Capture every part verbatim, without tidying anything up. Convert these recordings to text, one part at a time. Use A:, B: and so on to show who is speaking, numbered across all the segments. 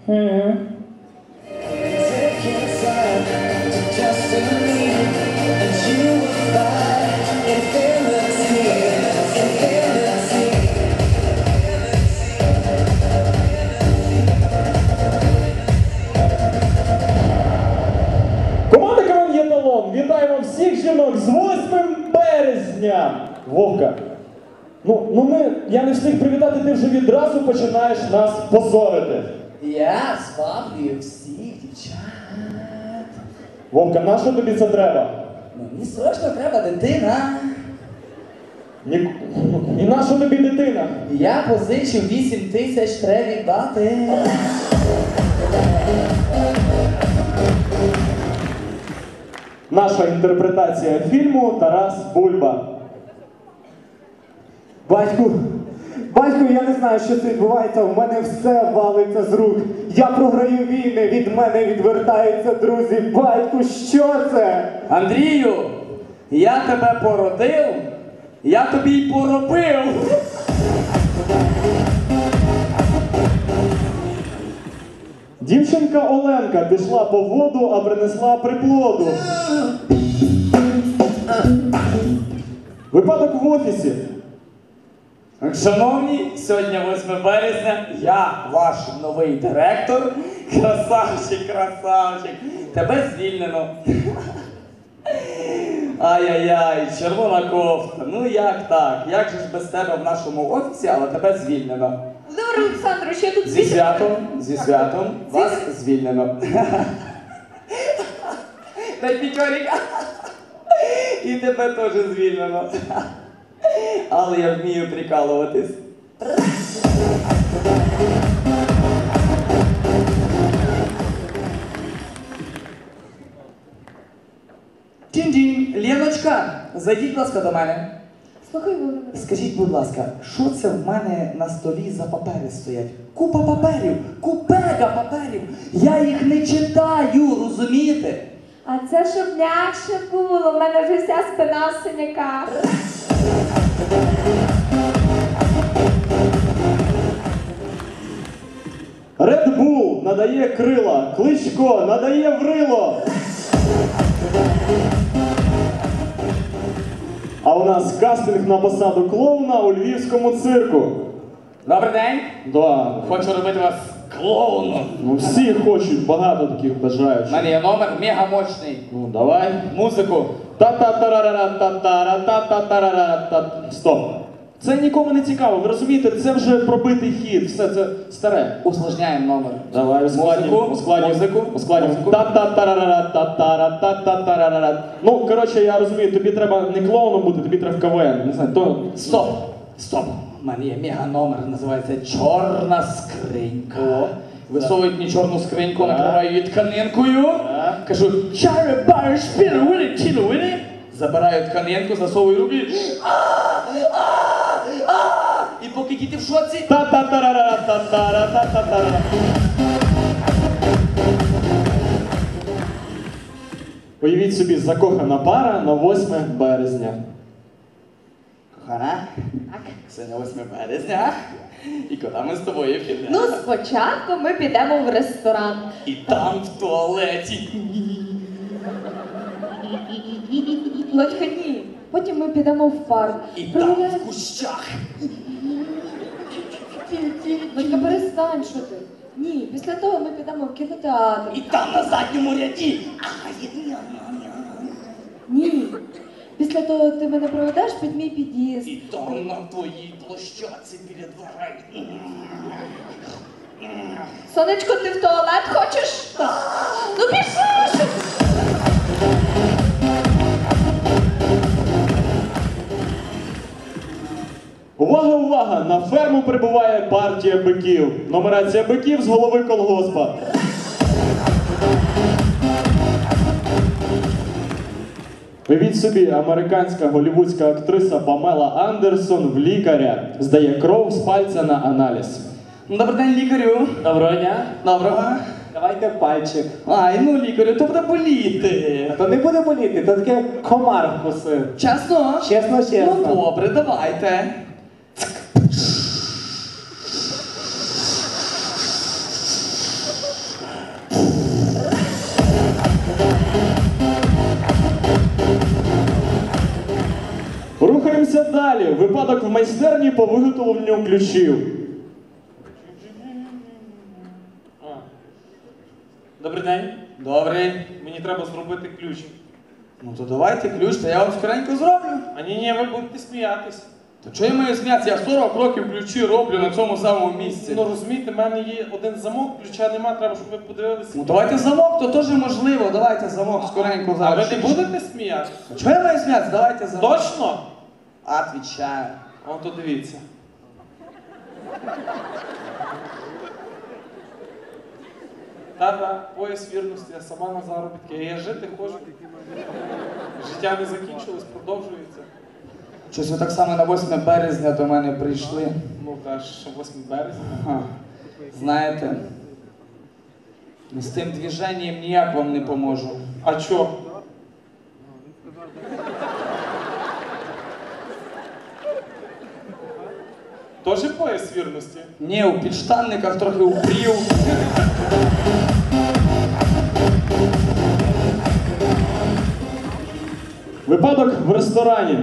A: Mm-hmm.
B: Команда КВН «Єталон» вітаємо всіх жінок з восьмим березня! Вовка, ну, ну ми, я не встиг привітати, ти вже відразу починаєш нас позорити.
A: Я зваблюю всіх дівчат.
B: Вовка, на що тобі це треба?
A: Мені срочно треба дитина.
B: Ні... І на що тобі дитина?
A: Я позичу вісім тисяч, треба віддати.
B: Наша інтерпретація фільму «Тарас Бульба».
C: Батьку, батьку, я не знаю, що це відбувається, в мене все валиться з рук. Я програю війни, від мене відвертаються друзі. Батьку, що це?
A: Андрію, я тебе породив, я тобі й поробив.
B: Дівчинка Оленка пішла по воду, а принесла приплоду. Випадок в офісі.
A: Шановні, сьогодні восьме березня, я ваш новий директор. Красавчик, красавчик. Тебе звільнено. Ай-яй-яй, червона кофта. Ну як так? Як же ж без тебе в нашому офісі, але тебе звільнено.
D: Володимир Олександрович, я тут
A: Зі святом, зі святом, вас звільнено. Дай п'ятьоріка. І тебе теж звільнено. Але я вмію прикалуватись. Тінь-тінь, Леночка, зайдіть, будь ласка, до мене.
D: Слухай, Володимир.
A: Скажіть, будь ласка, що це в мене на столі за папери стоять? Купа паперів, купега паперів. Я їх не читаю, розумієте?
D: А це щоб м'якше було, в мене вже вся спина в синяках.
B: Red Bull надає крила, Кличко надає врило. А у нас кастинг на посаду клоуна у львівському цирку.
A: Добрий день.
B: Да.
A: Хочу робити вас клоуном.
B: Ну всі хочуть, багато таких
A: У
B: бажаючих.
A: мене є номер мега мощний.
B: Ну давай.
A: Музику.
B: Та-та-тарара-та-тара-та-та-тарара-та. Стоп. Це нікому не цікаво, ви розумієте, це вже пробитий хід, все це старе.
A: Усложняємо номер.
B: Давай, ускладнім,
A: Музику,
B: ускладнім,
A: музику,
B: ускладнім.
A: музику.
B: Та-та-тарара-та-тара-та-та-тарара. Ну, коротше, я розумію, тобі треба не клоуном бути, тобі треба в КВН. Не знаю, то...
A: Стоп! Стоп! У мене є мега номер, називається Чорна скринька. Висовують мені чорну скриньку, накриваю її тканинкою.
B: Так.
A: Кажу, чари бари шпіли вини, тіло вини. Забираю тканинку, засовую руки. А, а, а. І поки діти в шоці.
B: Та-та-тарара-та-тара-та-та-тарара. Уявіть собі, закохана пара на восьме березня.
A: Кохана,
D: Так.
A: сьогодні восьме березня. І куди ми з тобою підемо?
D: Ну, спочатку ми підемо в ресторан.
A: І там в туалеті.
D: Лодька, ні. Потім ми підемо в парк.
A: І там
D: Прогуляємо.
A: в кущах.
D: Лодька, перестань, що ти? Ні, після того ми підемо в кінотеатр.
A: І там на задньому ряді.
D: Ні. Після того ти мене проведеш під мій під'їзд.
A: І там на твоїй площадці біля дверей.
D: Сонечко, ти в туалет хочеш? Ну пішли! що ти?
B: Увага, увага! На ферму прибуває партія биків. Нумерація биків з голови колгоспа. Уявіть собі, американська голівудська актриса Памела Андерсон в лікаря здає кров з пальця на аналіз.
A: Добрий день, лікарю.
C: Доброго дня.
A: Доброго.
C: Давайте пальчик.
A: Ай, ну лікарю, то буде боліти.
C: То не буде боліти, то таке комар вкусив.
A: Чесно?
C: Чесно, чесно.
A: Ну добре, давайте.
B: Рухаємось далі. Випадок в майстерні по виготовленню ключів.
E: А. Добрий день.
A: Добрий.
E: Мені треба зробити ключ.
A: Ну то давайте ключ, та я вам скоренько зроблю.
E: А ні, ні, ви будете сміятись.
A: То чого я маю сміятися? Я сорок років ключі роблю на цьому самому місці.
E: Ну розумієте, в мене є один замок, ключа нема, треба, щоб ви подивилися.
A: Ну давайте замок, то теж можливо. Давайте замок скоренько
E: А
A: зараз.
E: ви не будете сміятися?
A: Чого я маю сміятися? Давайте замок.
E: Точно?
A: Отвічаю.
E: О, то дивіться. Та-та, пояс вірності, я сама на заробітки. Я жити хочу. Життя не закінчилось, продовжується.
A: Щось ви так само на восьме березня до мене прийшли.
E: Ну кажеш, що восьме березня.
A: Ха. Знаєте, з тим движенням ніяк вам не поможу.
E: А чо? Тоже пояс вірності?
A: Ні, у підштанниках трохи упрів.
B: Випадок в ресторані.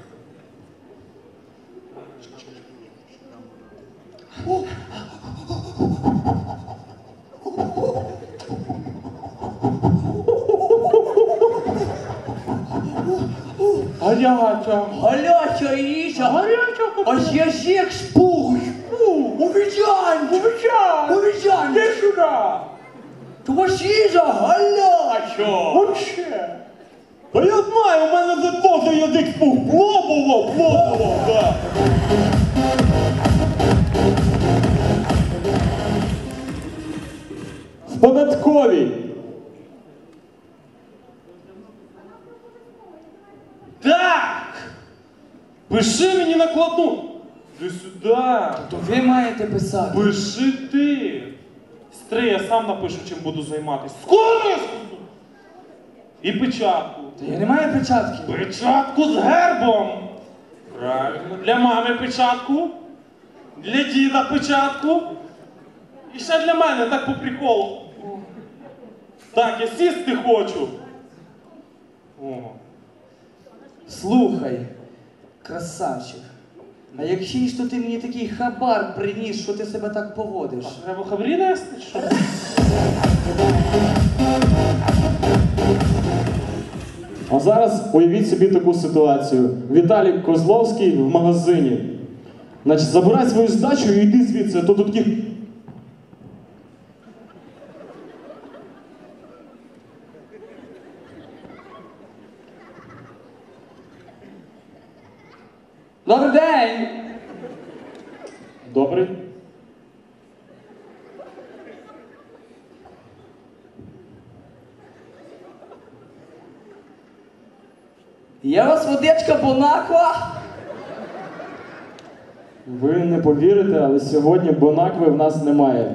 E: Гаряча.
A: Галяча їжа, гаряча, аж язик спух. Увідянь, увідянь, увідянь.
E: Іди сюди!
A: То ваш їжа галяча.
E: Вообще!
B: Та я знаю, у мене за то язик спух. Плобово, плобово, так. В податковій.
E: Так! Пиши мені накладну! Іди сюди!
A: То ви маєте писати.
E: Пиши ти! Стри, я сам напишу, чим буду займатися. Скоро! я скажу! І печатку.
A: Та я не маю печатки.
E: Печатку з гербом! Правильно. Для мами печатку. Для діда печатку. І ще для мене, так по приколу. Так, я сісти хочу. О.
A: Слухай, красавчик. А якщо ж то ти мені такий хабар приніс, що ти себе так поводиш?
E: Треба хабрі нести, чи що?
B: А зараз уявіть собі таку ситуацію. Віталій Козловський в магазині. Значить, забирай свою здачу і йди звідси, а то тут такі...
A: Добрий день!
B: Добрий.
A: Є у вас водичка Бонаква?
B: Ви не повірите, але сьогодні Бонакви в нас немає.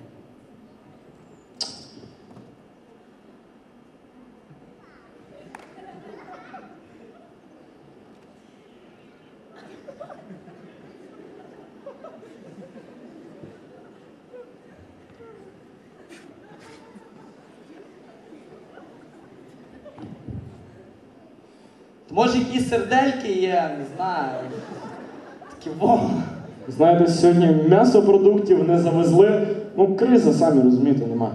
A: Може якісь сердельки є, не знаю. Такі во.
B: Знаєте, сьогодні м'ясопродуктів не завезли. Ну, криза, самі розумієте, нема.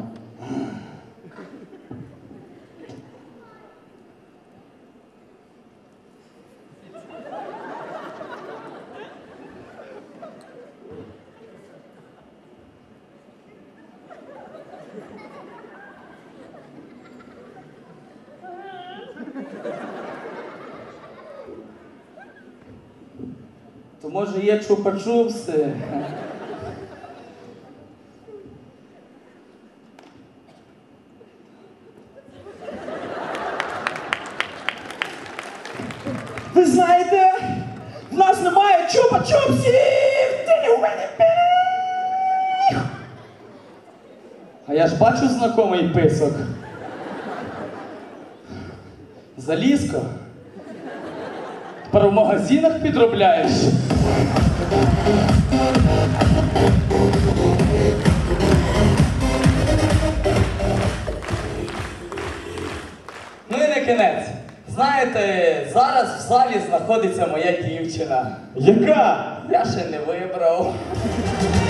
A: То може є чупа-чупси?
C: Ви знаєте, в нас немає чупа-чупсів! Ти у мене пі-
A: А я ж бачу знайомий писок. Залізко. Тепер в магазинах підробляєш. Ну і на кінець. Знаєте, зараз в залі знаходиться моя дівчина.
B: Яка?
A: Я ще не вибрав.